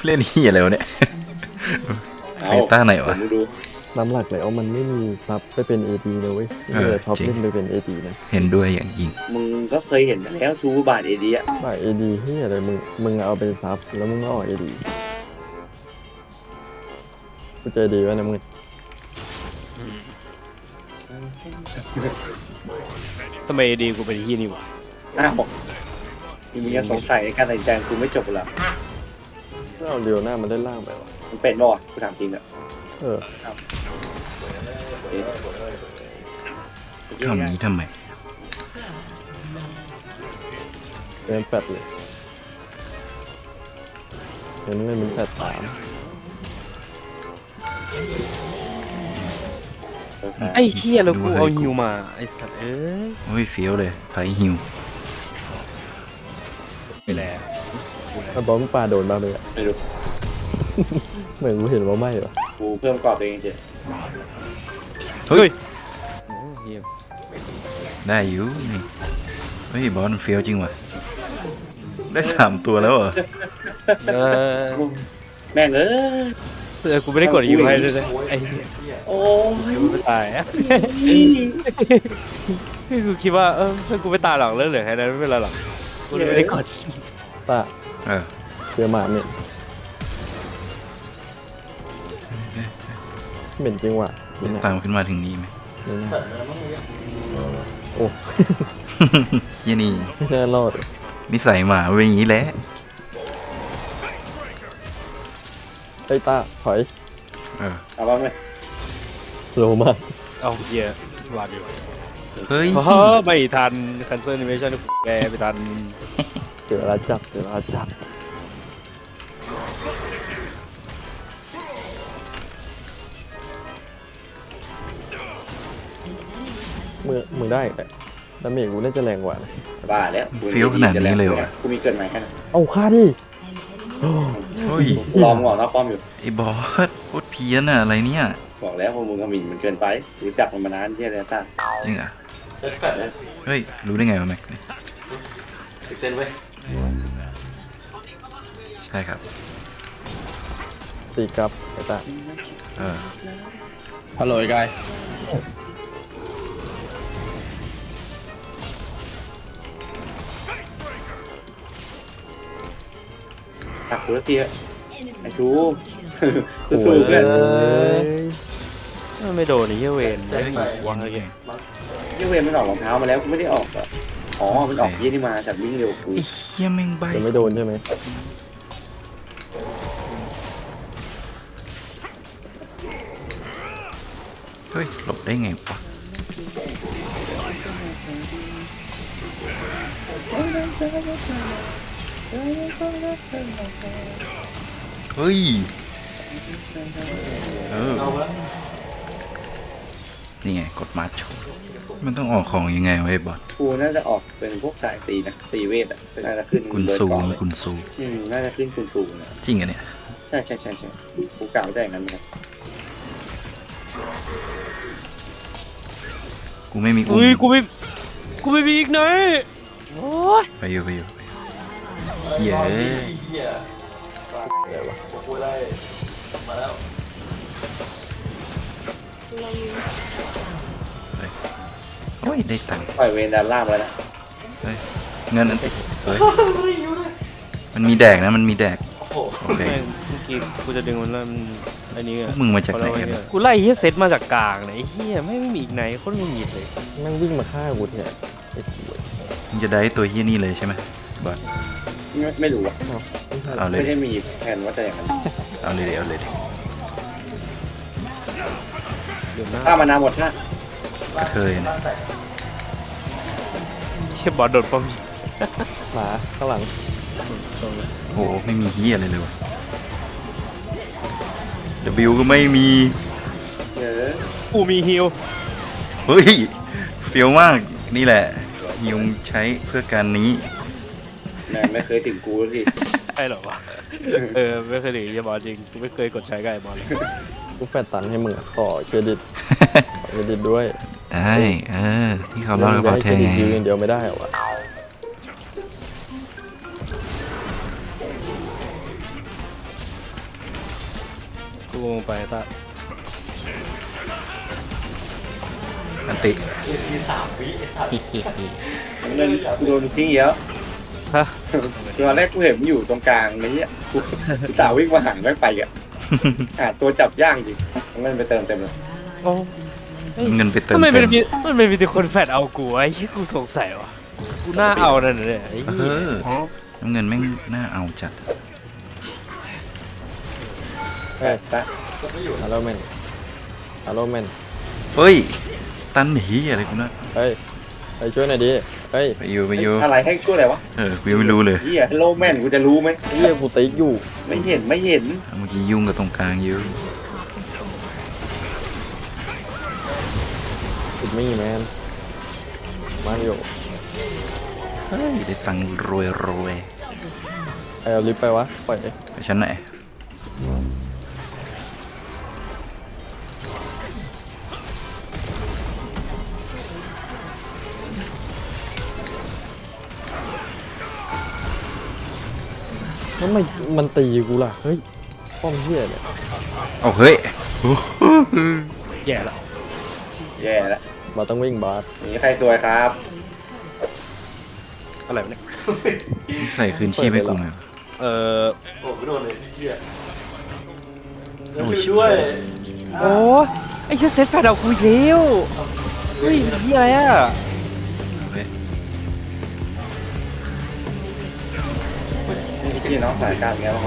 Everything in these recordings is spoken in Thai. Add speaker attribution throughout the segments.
Speaker 1: เล่นเฮียอะไรวะเนี่ยใครต้าไหนวะ
Speaker 2: น้ำหลักแล้วมันไม่มีซับไปเป็น AD เลยเว้ยเลยท็อปเล่นไปเป็น AD นะ
Speaker 1: เห็นด้วยอย่างยิ่ง
Speaker 3: มึงก็เคยเห็นมาแล้วทูบาทเอดีอะ
Speaker 2: บ่าย AD เฮียอะไรมึงเอาไปซับแล้วมึงก็ออก AD กูเจอดีวะนะมึง
Speaker 4: ทำไมดีกูเป็นที่นี่วะ
Speaker 3: อ้าวมึงยังสงสัยในการตัดสินใจกูไม่จบหรอ
Speaker 2: เอาเดียวหน้ามันได้ล่างไปวะ
Speaker 3: มันเป็นบ่กูถามจริงอะ
Speaker 1: ทำนี้ทำไม
Speaker 2: เป็นแปดเลยเห็นมันแปดสาม
Speaker 4: ไอ้เหี้ยแล้วกูเอาฮิวมาไอ้สัตว์เอ้ย
Speaker 1: โอ้ยเฟี้ยวเลยไฟฮิว
Speaker 4: ไปแล้ว
Speaker 2: ถ้าบอมปลาโดนบ้างเลยอะ
Speaker 3: ไม่รู้
Speaker 2: เหมือนกูเห็นว่าไม่หรอ
Speaker 3: กูเพิ่มกรอบตัวเองเฉย
Speaker 1: เฮ้ย
Speaker 4: เหี้ย
Speaker 1: ได้อยู่นี่เฮ้ยบอลเฟี้ยวจริงว่ะได้3ตัวแล้วเหรอ
Speaker 3: แม่ง
Speaker 4: กูไม่ได้กดฮิวให้เลยไอ้
Speaker 3: โอ้ย
Speaker 4: ไม่ตายอะกูคิดว่าถ้ากูไม่ตายหรอกเรื่องเหลือแค่นั้นไม่เป็นไรหรอกกูไม่ได้กด
Speaker 2: ตาเจอหมาเนี่ยเหม็นจริงว่ะ
Speaker 1: ตามขึ้นมาถึงนี้ไหม
Speaker 2: โอ้
Speaker 1: เฮียนี่
Speaker 2: ไม่น่ารอด
Speaker 1: นิสัยหมาเป็นอย่างนี้แหละ
Speaker 2: ไอ้ตาถอย
Speaker 3: เอาบ้างไหม
Speaker 2: โลมาก
Speaker 4: เอาเหี้ยหวาดอยู่
Speaker 1: เฮ้ย
Speaker 4: ไม่ทัน cancel animation แกไม่ทัน
Speaker 2: เดี๋ยวเราจับมึงได้แต่ดาเมจกูน่าจะแรงกว่า
Speaker 3: บ้าแล้ว
Speaker 1: เฟี้ยวขนาดนี้เลยวะ
Speaker 3: กูมีเกินไหมแค่นั้น
Speaker 2: เอาฆ่าดิ
Speaker 1: เฮ้ย
Speaker 3: ลองบอกนะป้อมอยู่
Speaker 1: ไอ้บอสโคตรเพี้ยนอะอะไรเนี่ย
Speaker 3: บอกแล้วพวกมึงก็มินมันเกินไปรู้จักมันมานานที่อะไรต้า
Speaker 1: จริงอ่ะเฮ้ยรู้ได้ไงวะแม็ก
Speaker 3: เซนไว้
Speaker 1: ใช่ครับ
Speaker 2: ตีกับไอ้ตา
Speaker 4: ฮัลโหลกาย
Speaker 3: ตักตัวทีไอ้ชูสู้ๆกัน
Speaker 4: ไม่โดนไอ้เหี้ยเวนได้วางอะไร
Speaker 3: เหี้ยเวนมันออกรองเท้ามาแล้วไม่ได้ออกอ่ะอ๋อมันออกยี่นี่มาจากวิ่งเร็วกู
Speaker 1: ไอ้เหี้ยแม่งใบ
Speaker 2: ไม่โดนใช่ไหม
Speaker 1: เฮ้ยหลบได้ไงวะเฮ้ยนี่ไงกดมาร์ชมันต้องออกของยังไงไว้บอส
Speaker 3: กูน่าจะออกเป็นพวกสายตีนะตีเวทอ่ะน่าจะขึ้น
Speaker 1: กุนซู
Speaker 3: น่าจะขึ้นกุนซูนะ
Speaker 1: จริงอะเนี่ย
Speaker 3: ใช่กูกล่าวได้อย่างนั้นไหม
Speaker 1: กูไม่มี
Speaker 4: กูไม่มีอีกไหนโอ้ย
Speaker 1: ไปอยู่เฮีย
Speaker 2: อะไรวะ
Speaker 1: โอ้ยได้ตังค์
Speaker 3: ปล่อยเวนด้านล่างไปแล้ว
Speaker 1: เฮ้ยเงินอันเฮ้ยมันมีแดกนะมันมีแดกโอเค
Speaker 4: เมื่อกี้กูจะดึงมันแล้วอันนี้
Speaker 1: มึงมาจากไหนกัน
Speaker 4: กูไล่เฮียเซตมาจากกลางไหนเฮียไม่มีอีกไหนโคตรมึงหยิบเลย
Speaker 2: นั่งวิ่งมาฆ่ากูเนี่ย
Speaker 1: มึงจะได้ตัวเฮียนี่เลยใช่ไหมบอส
Speaker 3: ไม่รู้อ่ะ
Speaker 1: เอาเลย
Speaker 3: ไม่ได้มีแผนว่าจะอย่างนั้น
Speaker 1: เอาเลย
Speaker 3: ถ้ามานาหมดท่า
Speaker 1: เคยนะ
Speaker 4: เชี่ยบอสโดดป้อม
Speaker 2: หมาข้างหลัง
Speaker 1: โอ้ไม่มีเฮียอะไรเลยวะ W ก็ไม่มี
Speaker 4: กูมีฮิล
Speaker 1: เฮ้ยเฟี้ยวมากนี่แหละฮิวใช้เพื่อการนี้
Speaker 3: แม่ไม่เคยถึงกูสิ
Speaker 4: ใช่หรอวะไม่เคยถึงบอสจริงกูไม่เคยกดใช้กับไอ้บอสเลย
Speaker 2: กูแปดตันให้มึงขอเครดิตด้วย
Speaker 1: ได้ที่เขาเล่าให้ฟังแทงไง
Speaker 2: เดียวไม่ได้หรอวะ
Speaker 4: ลงไปตา
Speaker 1: อันติ
Speaker 3: เงินกูโดนทิ้งเยอะ
Speaker 4: ฮะ
Speaker 3: ตอนแรกกูเห็นมันอยู่ตรงกลางนี้กูสาววิ่งมาหันไม่ไปอ่ะหาตัวจับย่างจริงเงินไปเติมเต็มเลย
Speaker 4: โอ้
Speaker 1: เงินไปเติม
Speaker 4: ทำไม
Speaker 1: เต็ม
Speaker 4: มันมีแต่คนแฟดเอากูไอ้ที่กูสงสัยวะกูน่าเอานั่นเนี่ยไอ้
Speaker 1: เออน้ำเงินแม่งน่าเอาจัด
Speaker 2: เฮ้ย
Speaker 3: ตะ
Speaker 2: ฮัลโหลแมนฮัลโหลแมน
Speaker 1: เฮ้ยตันหนีอะไรกูนะ
Speaker 2: เฮ้ยไปช่วยหน่อยดิเฮ้ย
Speaker 1: ไปอยู่
Speaker 3: อะไรให้ช่วยอะไรวะ
Speaker 1: กูยังไม่รู้เลย
Speaker 3: เฮียฮัลโหลแมนกูจะรู้ไหม
Speaker 2: เฮียกูติ๊กอยู่
Speaker 3: ไม่เห็น
Speaker 1: เมื่อกี้ยุ่งกับตรงกลางอยู่
Speaker 2: ติดไม่แมนมาอยู่
Speaker 1: เฮ้ยได้ตังค์รวย
Speaker 2: เอาลิฟต์ไปวะปล่อย
Speaker 1: ไปชั้นไหน
Speaker 2: แล้วมันตีกูล่ะเฮ้ยป้อมเฮียเนี่ย
Speaker 1: เอาเฮ้ย
Speaker 4: แย่ละ
Speaker 3: แย่แล้ว
Speaker 2: มาต้องวิ่งบาส
Speaker 3: นี่ใครสวยครับ
Speaker 4: อะไรวะเนี่ย
Speaker 1: ใส่คืนชีพให้กูหน่อย
Speaker 4: เออ
Speaker 1: โอ้ย
Speaker 4: โอ้ไอ้เชี่ยเซตแฟดเอากูอีกแล้วเฮ้ยเฮียอะไรอ่ะ
Speaker 1: เฮ้ย
Speaker 3: นี่พี่น้องสายการเงี้ยหรอ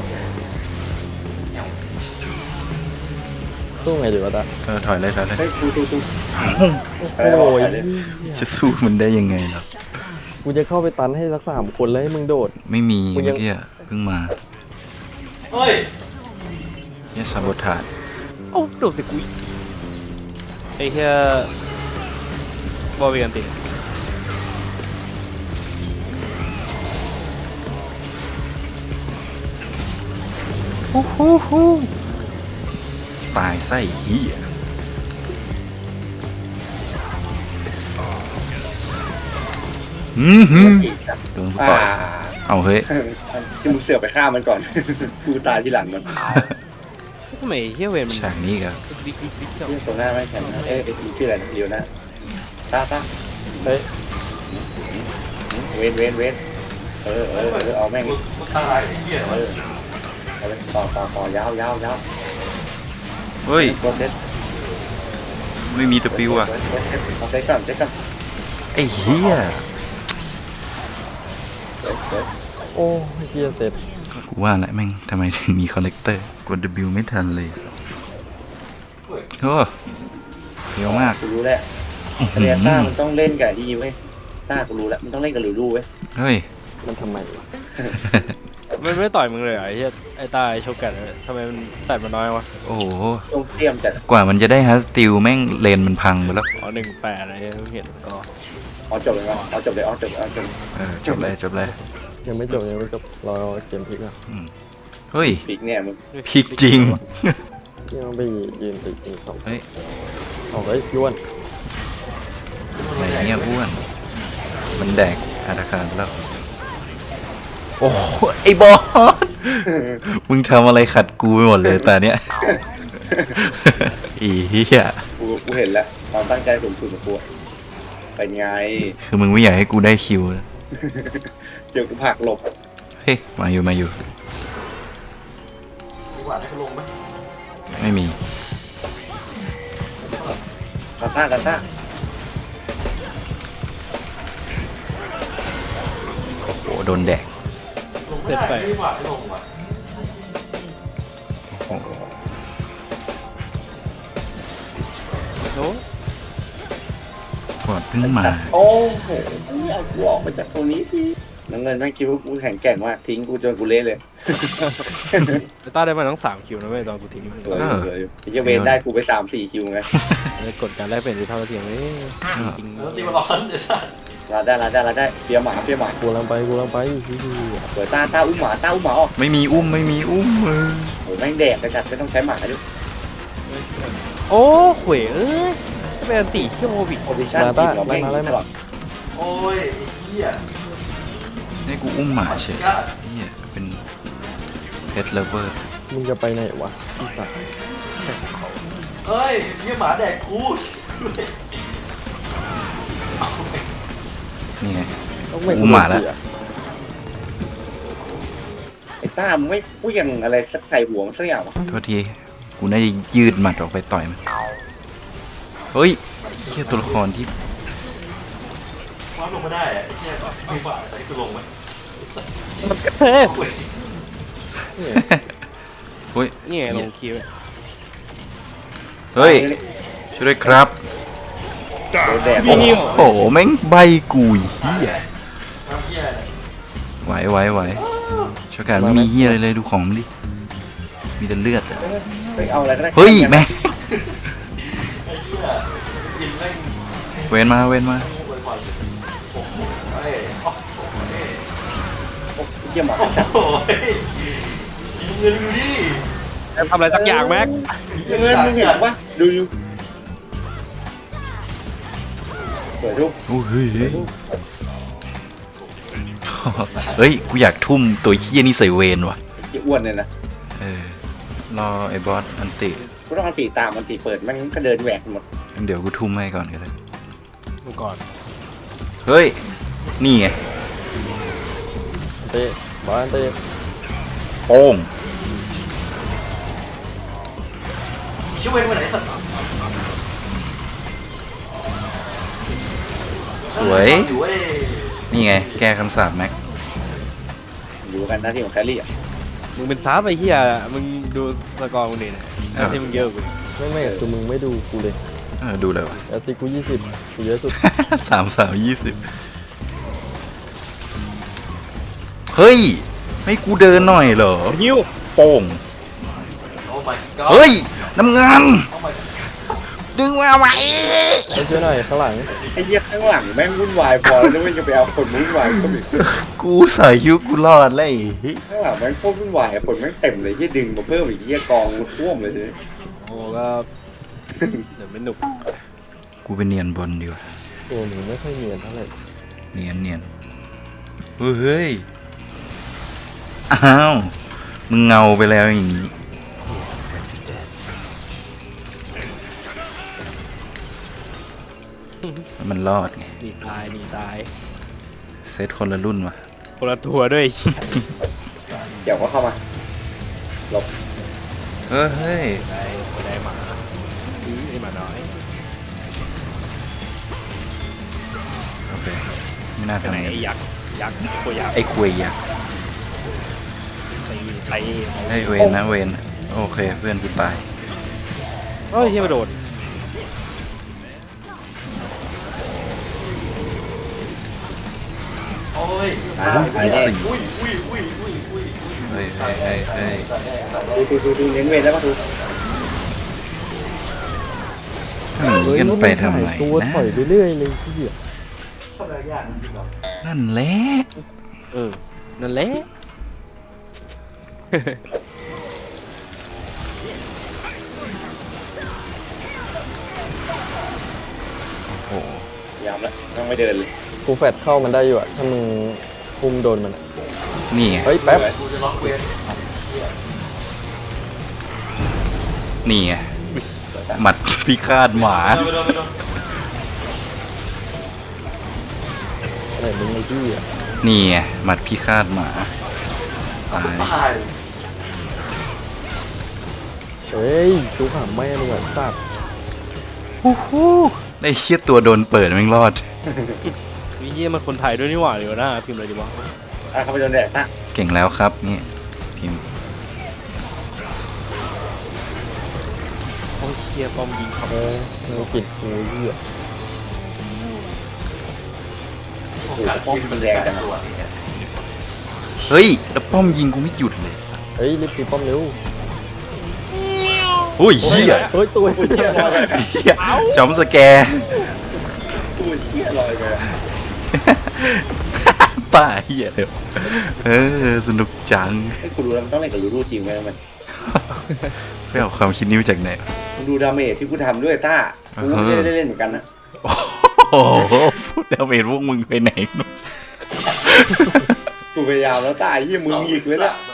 Speaker 2: สู้ไงดีวะตา
Speaker 1: ถอยเลย
Speaker 3: เฮ้ยกู
Speaker 2: โอ้ย
Speaker 1: จะสู้มันได้ยังไงล่ะ
Speaker 2: กูจะเข้าไปตันให้สัก3 คนแล้วให้มึงโดด
Speaker 1: ไม่มี
Speaker 2: มึ
Speaker 1: เมื่
Speaker 2: งยั
Speaker 1: อง กี้เพิ่งมาเนี่ยซาบทาด
Speaker 4: โอ้โดดสิกูอีกไอ้เฮียบอลเวียนติ
Speaker 1: ตายไส้เหี้ยโดนกูต่อยเอาเฮ้ย
Speaker 3: ที่มึงเสือกไปฆ่ามันก่อน กูตายที่หลังมัน
Speaker 4: ทำไมเฮียเวนมัน
Speaker 1: ฉากนี้กับ
Speaker 4: ดิ๊กเจ้า
Speaker 3: เรื่องตรงหน้าไม่แข็งนะไอ้ชื่ออะไรนะเลียวนะตา
Speaker 2: เฮ้ย
Speaker 3: เว้นเอาแม่งเอาเลยต่อยาว
Speaker 1: เฮ้ย
Speaker 3: ตัวเซ็ต
Speaker 1: ไม่มีตะปิวอ่ะ
Speaker 3: เอาเซ็ตก่อน
Speaker 1: ไอ้เหี้ย
Speaker 2: โอ้เฮียเสร็จ
Speaker 1: กูว่าแหละแม่งทำไมถึงมีคอนเนคเตอร์กด W ไม่ทันเลยโอ้เยอะมาก
Speaker 3: กูรู้แล้วเรียต้ามันต้องเล่นกับดีเว้ยต้ากูรู้แล้วมันต้องเล่นกับลูลูเว้ย
Speaker 1: เฮ้ย
Speaker 2: มันทำไมวะ
Speaker 4: มันไม่ต่อยมึงเลยเหรอไอ้เฮียไอ้ตาไอ้โชกันทำไมมันแต่มันน้อยวะ
Speaker 1: โอ้โห
Speaker 3: ต้องเตรียมจัด
Speaker 1: กว่ามันจะได้ฮัสติลแม่งเลนมันพังไปแล้ว
Speaker 4: อ๋อ18อะไรเห็นก็
Speaker 3: เอาจบเลยเอาจบเลย
Speaker 1: จบเลย
Speaker 2: ยังไม่จบรอเกมพลิกอ่ะ
Speaker 1: เฮ้ย
Speaker 3: ปีกเนี่ยมึง
Speaker 1: พลิกจริง
Speaker 2: ที่มันไปยืนติดสอง
Speaker 1: เฮ้ย
Speaker 2: เอาเฮ้ยยวน
Speaker 1: อะไรเงี้ยอ้วน มันแดกอาราคารไปแล้ว โอ้โหไอ้บอส มึงทำอะไรขัดกูไปหมดเลยแต่เนี้ย อีเหี้ย
Speaker 3: กูเห็นแล้วความตั้งใจสูงสุดของกูเป็นไง
Speaker 1: คือมึงไม่อยากให้กูได้คิวนะ
Speaker 3: เดี๋ยวกูผลักหลบ
Speaker 1: เฮ้ย มาอยู่ ไม่มี
Speaker 3: กันต้า
Speaker 1: โอ้โห โดนแดก
Speaker 4: เซตไป
Speaker 1: โอ้โห
Speaker 4: โอ้
Speaker 1: บอดเพิ่งมา
Speaker 3: โอ้โหเอากูออกมาจากตรงนี้ทีน้ำเงินแม่งคิดว่ากูแข็งแกร่งมากทิ้งกูจนกูเละเลย
Speaker 4: ไอ้ตาได้มาทั้ง3คิวนะเว้ยตอนกูทิ้งมัน
Speaker 3: เลยจะเวนได้กูไป3-4 คิวไง
Speaker 4: กดการแลกเปลี่ยนที่เท่าเทียมนี่จริง
Speaker 3: ลาได้เฟียหมา
Speaker 2: กูลังไปพี่
Speaker 3: เปิดต้าอุ้มหมาออก
Speaker 1: ไม่มีอุ้มเออ
Speaker 3: โหแม่งแดกกระจัดไม่ต้องใช้หมาด้วย
Speaker 4: โอ้เขวเอ้ยจะเป็นอันตีเชี่ยวโควิด
Speaker 3: โพซิชั่นทีมเราแม่งตลอด
Speaker 1: ให้กูอุ้มหมาเฉยเหี้ยเป็นเพ t เลเวอร์
Speaker 2: มึงจะไปไหนวะพี่สาว
Speaker 5: เฮ้ยยี่หมาแดกกู
Speaker 1: นี่ไง
Speaker 2: ต้องไม่
Speaker 1: กูมาแล้ว
Speaker 3: ไอ้ต้ามึงไม่พูดยังอะไรสักใส่หัวมันสักอย่างวะ
Speaker 1: โทษที กูน่าจะยืดหมัดออกไปต่อยมัน เฮ้ยเฮียตัวละครที่
Speaker 5: คว้าลงมาได้อะไอ้เหี้ยไม่บาดแต่กูลงไหม
Speaker 4: เฮ้ย
Speaker 1: เฮ้ย
Speaker 4: นี่ไงลงคิว
Speaker 1: เฮ้ย ช่วยด้วยครับ
Speaker 3: โดนแดด
Speaker 1: โอ้โห แม่งใบกุยเฮีย
Speaker 5: น้ำเหี้ยเนี่ย
Speaker 1: ไหวช่วยกันไม่มีเฮียอะไรเลยดูของมันดิ มีแต่เลือดอะ
Speaker 3: ไปเอาอะไรก็ได้
Speaker 1: เฮ้ยแม่ง
Speaker 5: ไอ้เหี้ยกินแม่ง
Speaker 1: เว้นมา
Speaker 5: ไว้ก่อนโอ้โหเฮ้ยโอ้โหเฮ้ย
Speaker 3: โอ้ยเยี่ยมหมอ
Speaker 5: โอ้โหเฮ้ยยิงเงินดูดิ
Speaker 4: ทำอะไรสักอย่างแม็ก
Speaker 3: เงินมึงเห็นปะดูเปิดดู
Speaker 1: โอ้เฮ้ยเฮ้ย กูอยากทุ่มตัวเฮียนี่ใส่เวนว่ะ
Speaker 3: ไอ้อ้วนเนี่ยนะ
Speaker 1: รอไอ้บอสอันติ
Speaker 3: กูต้องอันตีตามอันตีเปิดมันก็เดินแหวกหมด
Speaker 1: งั้นเดี๋ยวกูทุ่มให้ก่อนก็ได้
Speaker 4: ดูก่อน
Speaker 1: เฮ้ย นี่ไง
Speaker 2: เตะบอลเตะ
Speaker 1: โป้ง
Speaker 5: ชิวเว้นมาไหนสัตว์
Speaker 1: สวย
Speaker 5: อยู่เว้ย
Speaker 1: นี่ไง แก้คำสาปแม็ก
Speaker 3: ดูกันหน้าที่ของแคลรี่อ่ะ
Speaker 4: มึงเป็นซับไอ้เหี้ยมึงดูสกอร์มึงดิเนี่ยหน้าที่มึงเยอะกว่ากู
Speaker 2: ไม่คือมึงไม่ดูกูเลย
Speaker 1: ดูเลยวะ
Speaker 2: แล้วตีกู20กูเยอะสุด
Speaker 1: 20 เฮ้ย ไม่กูเดินหน่อยเหรอ
Speaker 4: ฮิว
Speaker 1: โป้ง
Speaker 5: โอ้ my god
Speaker 1: เฮ้ย น้ำเงิน
Speaker 5: โอ้ my god
Speaker 1: ดึงมาไหม
Speaker 2: ไปช่วยหน่อยข้างหลัง
Speaker 3: ไอ้เหี้ยข้างหลังแม่งวุ่นวายพอแล้วไม่จะไปเอาคนวุ่นวายก็มี
Speaker 1: กูใส่คิ้วกูรอดเลย
Speaker 3: ข้างหลังแม่งโคตรวุ่นวายคนแม่งเต็มเลยที่ดึงมาเพิ่มอีกที่กองท่วมเลยทีนี้
Speaker 4: โอ้ก็เดี๋ยวไม่หนุก
Speaker 1: กูไปเนียนบนดีกว่า
Speaker 2: ตัวมึงไม่ค่อยเนียนเท่าไหร่
Speaker 1: เนียนเฮ้ย อ้าว มึงเงาไปแล้วอย่างนี้ มันรอดไง
Speaker 4: หนีตาย
Speaker 1: เซตคนละรุ่นวะ
Speaker 4: คนละตัวด้วยไอ้เหี้ย
Speaker 3: เดี๋ยวก็เข้ามาหลบ
Speaker 1: เฮ้ย
Speaker 4: ได้หมาไอ้หมาน้อย
Speaker 1: โอเค ไม่น่า
Speaker 4: ไป
Speaker 1: ทำ
Speaker 4: ไหน
Speaker 1: อย่าง
Speaker 4: ไอ้
Speaker 1: นี้
Speaker 4: ยักษ์ตัวยักษ์
Speaker 1: ไอ้คุยยักษ์
Speaker 4: ไป
Speaker 1: ไอ้เวนนะเวน โอเค เพื่อนกูตาย
Speaker 4: เฮ้ยเฮียมาโดด
Speaker 5: โอ้ย
Speaker 3: ไปเลย
Speaker 5: อุ้ย
Speaker 1: เฮ้ย
Speaker 3: ดูเน้นเวรแล้วก็ดู
Speaker 1: หนีกันไปทำไม
Speaker 2: ตัว
Speaker 1: นะ
Speaker 2: ถอยไปเรื่อยเลยที่เหี้ย
Speaker 5: ชอบอะไรยากจริงเหรอ
Speaker 1: นั่นแหละ
Speaker 4: นั่นแหละ
Speaker 1: โอ้โห
Speaker 3: ยามแล้วต้องไม่เดินเลย
Speaker 2: กูแฟดเข้ามันได้อยู่อะถ้ามึงคุมโดนมันอะ
Speaker 1: นี่ไง
Speaker 2: เฮ้ยแป๊บ
Speaker 5: กูจะล็อกเวร
Speaker 1: นี่ไง หมัดพิฆาตหมา
Speaker 5: ไปโดน
Speaker 2: อะไรมึงไอ้ที่อะ
Speaker 1: นี่ไง หมัดพิฆาตหมา ตาย
Speaker 5: ตาย
Speaker 2: เฮ้ยกูขำไม่มึงอะสัตว์
Speaker 1: ไอ้เชี่ยตัวโดนเปิดแม่งรอด
Speaker 4: วิเยี่ยมันคนไทยด้วยนี่หว่าเดี๋ยวนะพิมพ์อะไรดีวะ
Speaker 3: เข้าไปโดนแดดนะ
Speaker 1: เก่งแล้วครับ นี่ พิมพ์
Speaker 4: โอ้ยเฮียป้อมยิงครับ
Speaker 2: มึงกินกูเหี้ย
Speaker 5: โอกาสที่มันแดงตัวเนี่ย
Speaker 1: เฮ้ย แล้วป้อมยิงกูไม่หยุดเลย
Speaker 2: เฮ้ยรีบตีป้อมเร็ว
Speaker 1: โอ้ยเฮีย
Speaker 2: เฮ้ยตัวเหี้ย
Speaker 1: เฮียจอมสแกร์
Speaker 3: ตู้เที่ยลอยไป
Speaker 1: ป้าเฮียเลยสนุกจัง
Speaker 3: ให้กูดูแล้วมันต้องเล่นกับรูจริงไหมมัน
Speaker 1: ไปเอาความคิดนี้มาจากไหน
Speaker 3: มึงดูดาเมจที่กูทำด้วยต้ากูไม่ได้เล่นเหมือนกันนะ
Speaker 1: โอ้โหพูดแล้วเมนพวกมึงไปไหน
Speaker 3: กูพยายามแล้วต้าไอ้เหี้ยมึงหยิกเลยนะ
Speaker 5: มา